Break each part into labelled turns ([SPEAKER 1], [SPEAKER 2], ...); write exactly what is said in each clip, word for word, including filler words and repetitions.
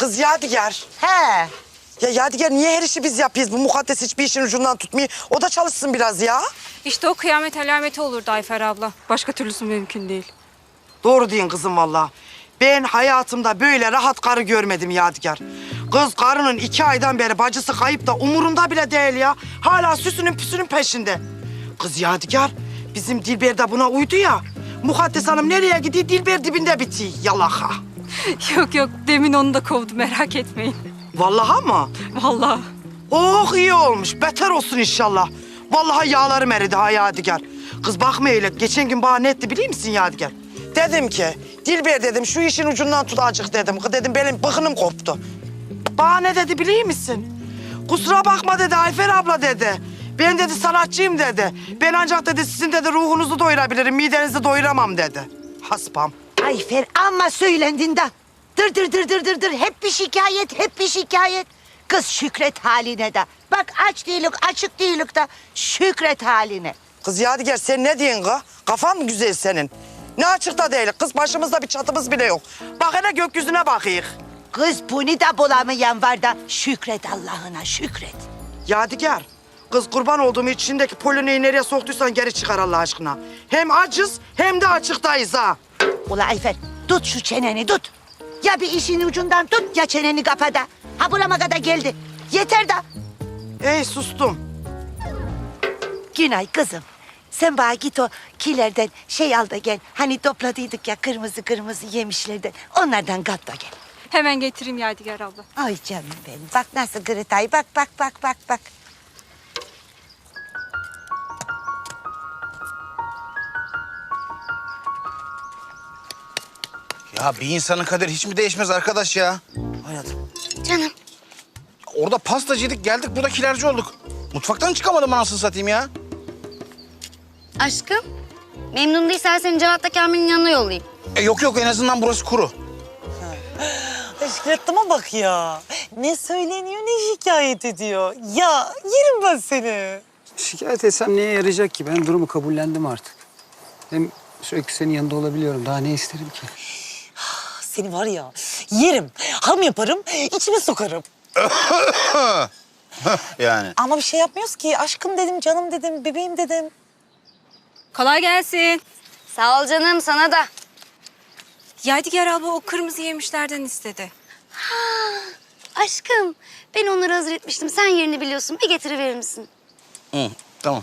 [SPEAKER 1] Kız Yadigar.
[SPEAKER 2] He.
[SPEAKER 1] Ya Yadigar niye her işi biz yapıyoruz? Bu mukaddes hiçbir işin ucundan tutmuyor. O da çalışsın biraz ya.
[SPEAKER 3] İşte o kıyamet alameti olurdu Ayfer abla. Başka türlüsü mümkün değil.
[SPEAKER 1] Doğru diyorsun kızım vallahi. Ben hayatımda böyle rahat karı görmedim Yadigar. Kız karının iki aydan beri bacısı kayıp da umurunda bile değil ya. Hala süsünün püsünün peşinde. Kız Yadigar, bizim Dilber de buna uydu ya. Mukaddes Hanım nereye gidiyor? Dilber dibinde bitiyor. Yalaka.
[SPEAKER 3] Yok yok demin onu da kovdu merak etmeyin.
[SPEAKER 1] Vallahi mı?
[SPEAKER 3] Vallahi.
[SPEAKER 1] Oh iyi olmuş. Beter olsun inşallah. Vallahi yağlarım eridi ha Yadigar. Kız bakma öyle. Geçen gün bana ne etti biliyor musun Yadigar? Dedim ki, Dilber dedim şu işin ucundan tut azıcık dedim. Kız dedim benim bıkınım koptu. Bana ne dedi biliyor musun? Kusura bakma dedi Ayfer abla dedi. Ben dedi sanatçıyım dedi. Ben ancak dedi sizin dedi ruhunuzu doyurabilirim, midenizi doyuramam dedi. Haspam.
[SPEAKER 2] Ayfer amma söylendin de. Dır dır dır dır dır dır. Hep bir şikayet, hep bir şikayet. Kız şükret haline de. Bak aç değilik, açık değilik de şükret haline.
[SPEAKER 1] Kız Yadigar sen ne diyorsun kız? Kafan mı güzel senin? Ne açıkta değil. Kız başımızda bir çatımız bile yok. Bak hele gökyüzüne bakayım.
[SPEAKER 2] Kız bunu da bulamayan var da şükret Allah'ına şükret.
[SPEAKER 1] Yadigar, kız kurban olduğum içindeki polineyi nereye soktuysan geri çıkar Allah aşkına. Hem acız hem de açıktayız ha.
[SPEAKER 2] Ula Ayfer tut şu çeneni tut. Ya bir işin ucundan tut ya çeneni kapa da. Ha burama kadar geldi. Yeter de.
[SPEAKER 1] Ey sustum.
[SPEAKER 2] Günay kızım. Sen bana git o kilerden şey al da gel. Hani topladıydık ya kırmızı kırmızı yemişlerden. Onlardan kat da gel.
[SPEAKER 3] Hemen getireyim Yadigar abla.
[SPEAKER 2] Ay canım benim. Bak nasıl gırıtay. Bak bak bak bak bak.
[SPEAKER 4] Ya bir insanın kaderi hiç mi değişmez arkadaş ya?
[SPEAKER 1] Hayatım.
[SPEAKER 5] Canım.
[SPEAKER 4] Orada pastacıydık, geldik burada kilerci olduk. Mutfaktan çıkamadım anasını satayım ya.
[SPEAKER 5] Aşkım. Memnun değilsen seni Cevat'la Kamil'in yanına yollayayım.
[SPEAKER 4] E yok yok en azından burası kuru.
[SPEAKER 6] Şükret'ime bak ya. Ne söyleniyor ne şikayet ediyor. Ya yerim ben seni.
[SPEAKER 7] Şikayet etsem neye yarayacak ki? Ben durumu kabullendim artık. Hem sürekli senin yanında olabiliyorum. Daha ne isterim ki?
[SPEAKER 6] Seni var ya yerim. Ham yaparım, içime sokarım.
[SPEAKER 4] Yani.
[SPEAKER 6] Ama bir şey yapmıyoruz ki. Aşkım dedim, canım dedim, bebeğim dedim.
[SPEAKER 3] Kolay gelsin.
[SPEAKER 5] Sağ ol canım sana da.
[SPEAKER 3] Yadigar abla o kırmızı yemişlerden istedi.
[SPEAKER 5] Aşkım ben onları hazır etmiştim. Sen yerini biliyorsun. Bir getiriverir misin?
[SPEAKER 4] Hı, tamam.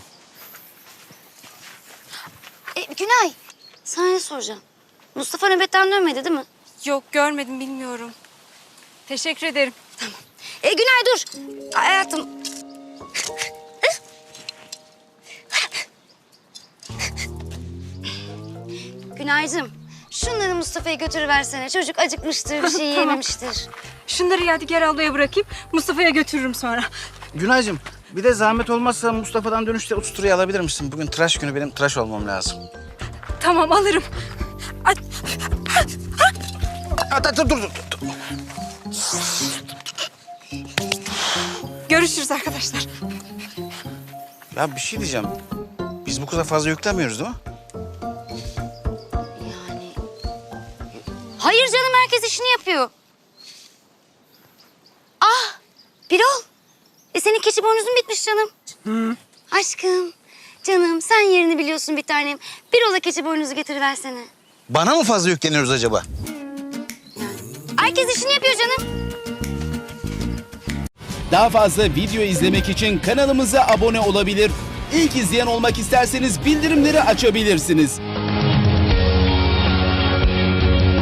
[SPEAKER 5] E, Günay sana ne soracağım? Mustafa nöbetten dönmedi değil mi?
[SPEAKER 3] Yok görmedim bilmiyorum. Teşekkür ederim.
[SPEAKER 5] E, Günay dur. Hayatım. Günaycığım şunları Mustafa'ya götürüversene. Çocuk acıkmıştır, bir şey yememiştir.
[SPEAKER 3] Şunları Yadigar ablaya bırakayım. Mustafa'ya götürürüm sonra.
[SPEAKER 4] Günaycığım bir de zahmet olmazsa Mustafa'dan dönüşte usturayı alabilir misin? Bugün tıraş günü benim tıraş olmam lazım.
[SPEAKER 3] Tamam alırım. Ay,
[SPEAKER 4] Dur dur dur. dur.
[SPEAKER 3] görüşürüz arkadaşlar.
[SPEAKER 4] Ya bir şey diyeceğim. Biz bu kıza fazla yüklemiyoruz değil mi?
[SPEAKER 5] Yani... Hayır canım herkes işini yapıyor. Ah Birol. E senin keçi boynuzun bitmiş canım. Hı. Aşkım, canım sen yerini biliyorsun bir tanem. Birol'a keçi boynuzu getiriversene.
[SPEAKER 4] Bana mı fazla yükleniyoruz acaba?
[SPEAKER 5] Herkes işini yapıyor canım.
[SPEAKER 8] Daha fazla video izlemek için kanalımıza abone olabilir. İlk izleyen olmak isterseniz bildirimleri açabilirsiniz.